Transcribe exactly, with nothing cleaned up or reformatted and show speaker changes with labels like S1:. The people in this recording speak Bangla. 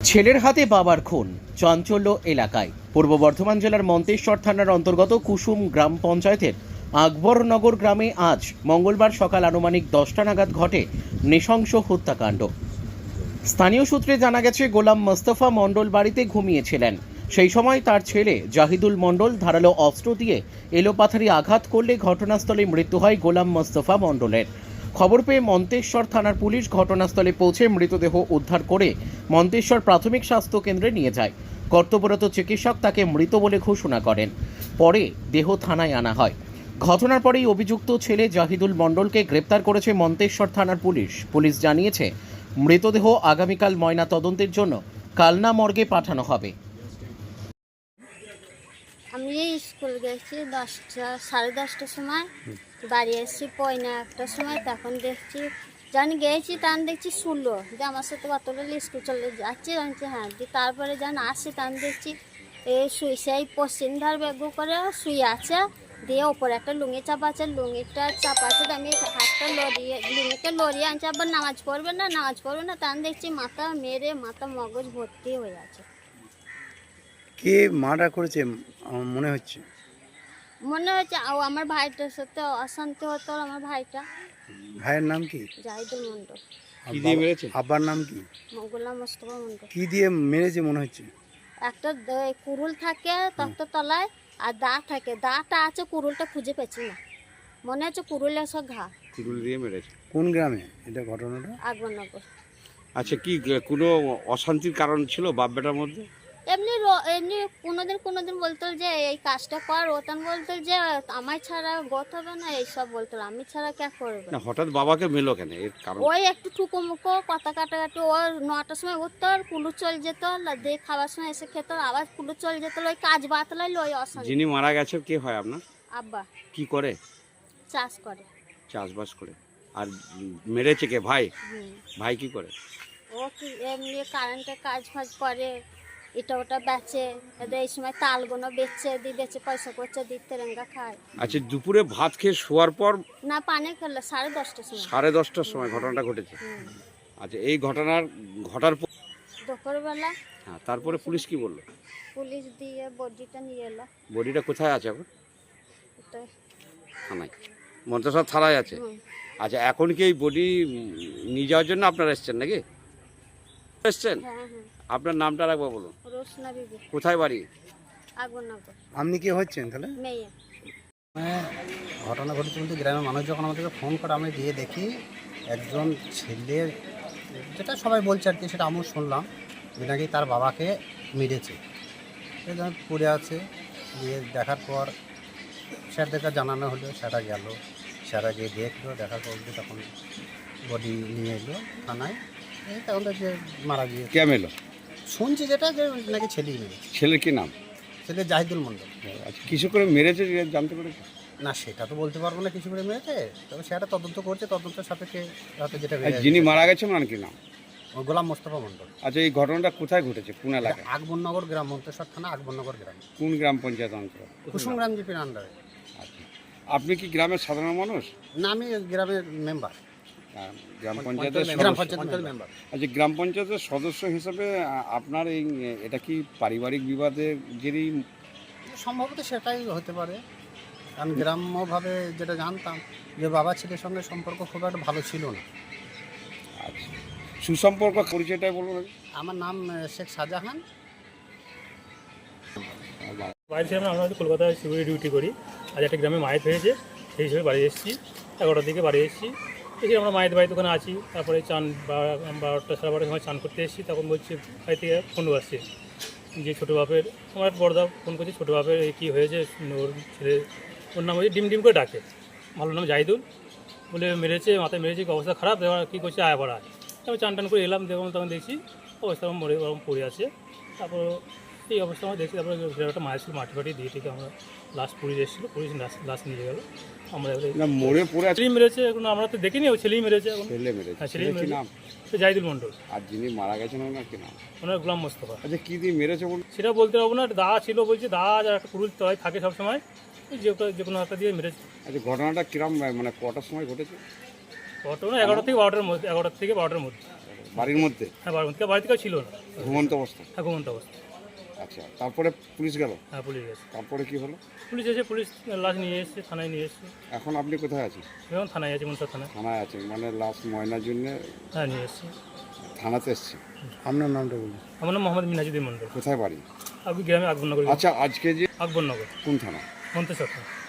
S1: ছেলের হাতে বাবার খুন, চাঞ্চল্য এলাকায়। পূর্ব বর্ধমান জেলার মন্তেশ্বর থানার অন্তর্গত কুসুম গ্রাম পঞ্চায়েতের আকবরনগর গ্রামে আজ মঙ্গলবার সকাল আনুমানিক দশটা নাগাদ ঘটে নৃশংস হত্যাকাণ্ড। স্থানীয় সূত্রে জানা গেছে, গোলাম মোস্তফা মণ্ডল বাড়িতে ঘুমিয়েছিলেন। সেই সময় তার ছেলে জাহিদুল মণ্ডল ধারালো অস্ত্র দিয়ে এলোপাথারি আঘাত করলে ঘটনাস্থলে মৃত্যু হয় গোলাম মোস্তফা মণ্ডলের। খবর পেয়ে মন্তেশ্বর থানার পুলিশ ঘটনাস্থলে পৌঁছে মৃতদেহ উদ্ধার করে মন্তেশ্বর প্রাথমিক স্বাস্থ্য কেন্দ্রে নিয়ে যায়। কর্তব্যরত চিকিৎসক তাকে মৃত বলে ঘোষণা করেন। পরে দেহ থানায় আনা হয়। ঘটনার পরেই অভিযুক্ত ছেলে জাহিদুল মণ্ডলকে গ্রেপ্তার করেছে মন্তেশ্বর থানার পুলিশ। পুলিশ জানিয়েছে, মৃতদেহ আগামীকাল ময়না তদন্তের জন্য কালনা মর্গে পাঠানো হবে।
S2: আমি স্কুল গেছি দশটা সাড়ে দশটার সময়, বাড়ি এসেছি পয়না একটার সময়। তখন দেখছি জানি গেছি তখন দেখছি শুনলো যে আমার সাথে কতটা স্কুল চলে যাচ্ছি, জানছি হ্যাঁ দিয়ে তারপরে যখন আসছি তখন দেখছি এই শুয়েছে, এই পশ্চিম ধার ব্যাগ করে শুয়ে আছে, দিয়ে ওপরে একটা লুঙ্গি চাপা আছে, লুঙ্গিটা চাপা আছে, আমি হাতটা লড়িয়ে লুঙ্গিটা লড়িয়ে আনছি, আবার নামাজ পড়বে না নামাজ পড়বে না তখন দেখছি মাথা মেরে মাথা মগজ ভর্তি হয়ে আছে।
S3: কে মার্ডার করেছে মনে হচ্ছে?
S2: মনে হচ্ছে ও আমার ভাইটার সাথে অশান্তি হতো। আমার ভাইটা,
S3: ভাইয়ের নাম কি?
S2: জাহিদুল মণ্ডল।
S3: কি দিয়ে মেরেছে? আব্বার নাম কি?
S2: গোলাম মোস্তফা মণ্ডল।
S3: কি দিয়ে মেরেছে মনে হচ্ছে?
S2: একটা দ- কুরুল থাকে তক্ত তলায় আর দা থাকে, দাটা আছে, কুরুলটা খুঁজে পেছি না, মনে হচ্ছে কুরুলে সব ঘা।
S4: কুরুল দিয়ে মেরেছে।
S3: কোন গ্রামে এটা ঘটনাটা?
S2: আকবরনগর।
S4: আচ্ছা, কি কোনো অশান্তির কারণ ছিল বাপ বেটার মধ্যে?
S2: এমনি র- এমনি কোনোদিন কোনোদিন বলতো যে এই কাজটা কর, ওতান বলতো যে আমার ছাড়া গত হবে না, এইসব বলতো, আমি ছাড়া কে করবে।
S4: না, হঠাৎ বাবাকে মেলো কেন, এর কারণ?
S2: ওই একটু ঠুকো মুখো কথা কাটাকাটি, ওর নটার সময় উঠতো আর কুলু চলে যেত, দিয়ে খাওয়ার সময় এসে খেত, আবার কুলু চলে যেত, ওই কাজ বাতলাই ওই অশান্তি।
S4: যিনি মারা গেছে কে হয় আপনার?
S2: আব্বা
S4: কি করে?
S2: চাষ করে।
S4: চাষবাস করে। আর মেরেছে কে? ভাই?
S2: হুম।
S4: ভাই কি করে?
S2: ও কি এমনি কারেন্টের কাজ ফাজ করে, এটা ওটা বেচে, এদের এই সময় তালগুলো বেচছে, দিয়ে বেচে পয়সা করছে, দিয়ে তেরেঙ্গা খায়।
S4: আচ্ছা, দুপুরে ভাত খেয়ে শোয়ার পর
S2: না পানি খেলে সাড়ে দশটার সময়।
S4: সাড়ে দশটার সময় ঘটনাটা ঘটেছে।
S2: হুম।
S4: আচ্ছা, এই ঘটনার ঘটার পর
S2: দুপুরবেলা
S4: হ্যাঁ, তারপরে পুলিশ কি বললো?
S2: পুলিশ দিয়ে বডিটা নিয়ে এলো।
S4: বডিটা কোথায় আছে এখন?
S2: এটা
S4: থানায়, মন্তেশ্বর থানায় আছে।
S2: হুম।
S4: আচ্ছা, এখন কি এই বডি নিয়ে যাওয়ার জন্য আপনারা এসছেন নাকি? এসছেন?
S2: হ্যাঁ হ্যাঁ।
S4: আপনার নামটা রাখবো বলুন।
S2: রোশনা বিবি,
S4: কোথায় বাড়ি?
S2: আকবরনগর।
S3: আপনি কি হচ্ছেন তাহলে?
S2: মেয়ে।
S5: হ্যাঁ, ঘটনা ঘটেছে বলতে গ্রামের মানুষ যখন আমাদেরকে ফোন করে আমি গিয়ে দেখি একজন ছেলের, যেটা সবাই বলছে আর কি, সেটা আমিও শুনলাম যে নাকি তার বাবাকে মেরেছে, সে যখন পড়ে আছে। গিয়ে দেখার পর স্যারদেরকে জানানো হলো, সেটা গেল, স্যারা গিয়ে দেখলো, দেখার পর যে তখন বডি নিয়ে এলো থানায়। এই তখন তো যে মারা গিয়ে
S4: কে মেলো?
S5: শুনছি যেটা যে নাকি ছেলেই মেরেছে,
S4: ছেলের কি নাম?
S5: ছেলে জাহিদুল মণ্ডল।
S4: আচ্ছা, কিছু করে মেরেছে জানতে পেরেছে?
S5: না সেটা তো বলতে পারবো না কিছু করে মেরেছে, তবে সেটা তদন্ত করছে, তদন্তের সাপেক্ষে হয়তো যেটা
S4: আর
S5: বেরিয়ে
S4: যিনি
S5: আসবে।
S4: মারা গেছেন ওনার কি নাম?
S5: ও গোলাম মোস্তফা মণ্ডল।
S4: আচ্ছা, এই ঘটনাটা কোথায় ঘটেছে, কোন এলাকায়?
S5: আকবরনগর গ্রাম, মন্তেশ্বর থানা আকবরনগর গ্রাম,
S4: কোন গ্রাম পঞ্চায়েত অঞ্চল?
S5: কুসুম গ্রাম জিপির আন্ডারে।
S4: আচ্ছা, আপনি কি গ্রামের সাধারণ মানুষ?
S5: না, আমি গ্রামের মেম্বার,
S4: আহ, গ্রাম পঞ্চায়েতের
S5: গ্রাম
S4: সদস্য?
S5: পঞ্চায়েত মেম্বার।
S4: আচ্ছা, গ্রাম পঞ্চায়েতের সদস্য হিসেবে আহ, আপনার এই এটা কি পারিবারিক বিবাদের জেরেই?
S5: সম্ভবত সেটাই হতে পারে, কারণ গ্রাম্যভাবে যেটা জানতাম যে বাবা ছেলের সঙ্গে সম্পর্ক খুব একটা ভালো ছিল না।
S4: আচ্ছা, সুসম্পর্ক পরিচয়টাই বলুন।
S5: আমার নাম আহ, শেখ শাহজাহান।
S6: বাইরে ছিলাম না, আমরা হয়তো কলকাতায় সিকিউরিটি ডিউটি করি। আজ একটা গ্রামে মায়ের হয়েছে, সেই হিসেবে বাড়ি এসেছি, এগারোটার দিকে বাড়ি এসেছি। এসে আমরা মায়ের বাড়িতে ওখানে আছি। তারপরে চান বারোটা সাড়ে বারোটার সময় চান করতে এসেছি। তখন বলছি বাড়ি থেকে ফোন আসছে যে ছোটো বাপের, আমার এক বড়দা ফোন করছে, ছোটো বাপের এই কী হয়েছে, ওর ছেলে, ওর নাম হচ্ছে ডিম ডিম করে ডাকে, ভালো নাম জাহিদুল, বলে মেরেছে, মাথায় মেরেছে, অবস্থা খারাপ, এবার কী করছে আয় পড়া। আমি চান টান করে এলাম, দেখলাম তখন দেখছি অবস্থা আমার মরে ওরকম পড়ে আছে। তারপর এই অবস্থা আমরা দেখছি। তারপরে একটা মায়ের ছিল, মাটি ফাটি দিয়ে থেকে আমরা লাস্ট পুলিশ এসেছিলো, পুলিশ লাস্ট নিয়ে গেলো। আমরা
S4: না, মরে পড়ে আছে।
S6: ছেলেই মেরেছে, এখন আমরা তো দেখিনি, ও ছেলেই মেরেছে এখন।
S4: ছেলে মেরেছে।
S6: হ্যাঁ, ছেলেই
S4: ছেলের কি
S6: মেরেছে।
S4: নাম?
S6: সে জাহিদুল মণ্ডল।
S4: আর যিনি মারা গেছেন ওনার কি নাম?
S6: ওনার গোলাম মোস্তফা।
S4: আচ্ছা, কি দিয়ে মেরেছে বলুন?
S6: সেটা বলতে পারবো না, দা ছিল বলছে, দা আর একটা কুরুল তলায় থাকে সবসময়, যে যে কোনো একটা দিয়ে মেরেছে।
S4: আচ্ছা, ঘটনাটা কিরম মানে কটার সময় ঘটেছে?
S6: ঘটনা এগারোটা থেকে বারোটার মধ্যে, এগারোটা থেকে বারোটার মধ্যে।
S4: বাড়ির মধ্যে
S6: হ্যাঁ বাড়ি থেকে বাড়ি থেকেও ছিল না,
S4: ঘুমন্ত অবস্থা।
S6: হ্যাঁ ঘুমন্ত অবস্থা।
S4: আচ্ছা, তারপরে পুলিশ গেল,
S6: হ্যাঁ পুলিশ গেছে,
S4: তারপরে কি হলো?
S6: পুলিশ এসে পুলিশ লাশ নিয়ে এসছে, থানায় নিয়ে এসছে।
S4: এখন আপনি কোথায় আছেন?
S6: আমি এখন থানায় আছি, মনসা থানায়।
S4: থানায় আছেন মানে লাশ ময়নার জন্য
S6: হ্যাঁ নিয়ে এসছি।
S4: থানাতে এসছে।
S3: আপনার নামটা বলুন।
S6: আমার নাম মোহাম্মদ মিনহাজুদ্দিন মন্ডল,
S4: কোথায় বাড়ি?
S6: আপনি গ্রামে আকবরনগর।
S4: আচ্ছা, আজকে যে
S6: আকবরনগর
S4: কোন থানা?
S6: মন্তেশ্বর থানা।